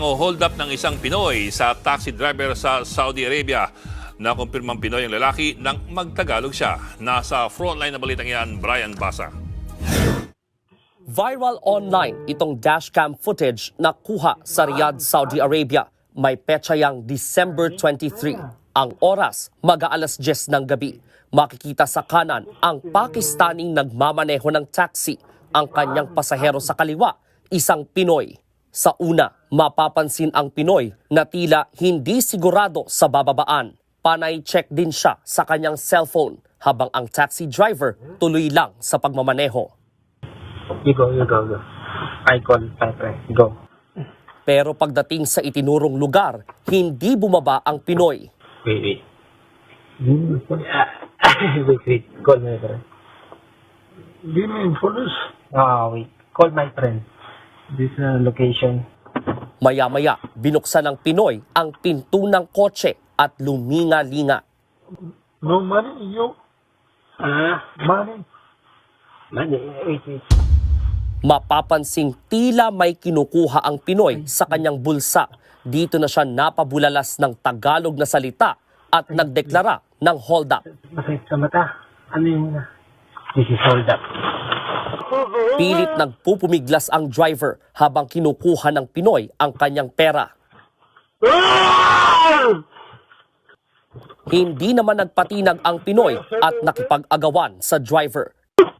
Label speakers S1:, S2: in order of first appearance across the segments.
S1: Hold up ng isang Pinoy sa taxi driver sa Saudi Arabia. Nakumpirmang Pinoy ang lalaki nang magtagalog siya. Nasa frontline na balitang yan, Brian Basa.
S2: Viral online itong dashcam footage na kuha sa Riyadh, Saudi Arabia. May petsa yang December 23. Ang oras, mag-aalas 10 ng gabi. Makikita sa kanan ang Pakistaning nagmamaneho ng taxi. Ang kanyang pasahero sa kaliwa, isang Pinoy. Sa una, mapapansin ang Pinoy na tila hindi sigurado sa bababaan. Panay check din siya sa kanyang cellphone habang ang taxi driver tuloy lang sa pagmamaneho.
S3: You go. I call Pepe. Go.
S2: Pero pagdating sa itinurong lugar, hindi bumaba ang Pinoy.
S3: Wait. Wait. Call my friend.
S4: Give me infos.
S3: Wait. Call my friend. This location.
S2: Maya-maya, binuksan ng Pinoy ang pinto ng kotse at luminga-linga.
S4: No money, you. Money.
S3: Money. Wait.
S2: Mapapansing tila may kinukuha ang Pinoy sa kanyang bulsa. Dito na siya napabulalas ng Tagalog na salita at nagdeklara ng hold up.
S3: Masakit sa mata. Ano yung This is hold up.
S2: Pilit nagpupumiglas ang driver habang kinukuha ng Pinoy ang kanyang pera. Hindi naman nagpatinag ang Pinoy at nakipag-agawan sa driver.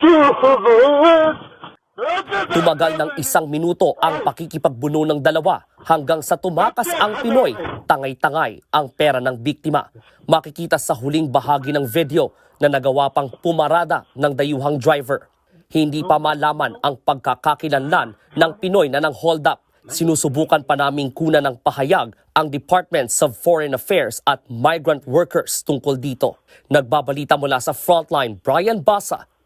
S2: Tumagal ng 1 minuto ang pakikipagbuno ng dalawa hanggang sa tumakas ang Pinoy, tangay-tangay ang pera ng biktima. Makikita sa huling bahagi ng video na nagawa pang pumarada ng dayuhang driver. Hindi pa malaman ang pagkakakilanlan ng Pinoy na ng hold up. Sinusubukan pa naming kunan ng pahayag ang Departments of Foreign Affairs at Migrant Workers tungkol dito. Nagbabalita mula sa Frontline, Brian Basa,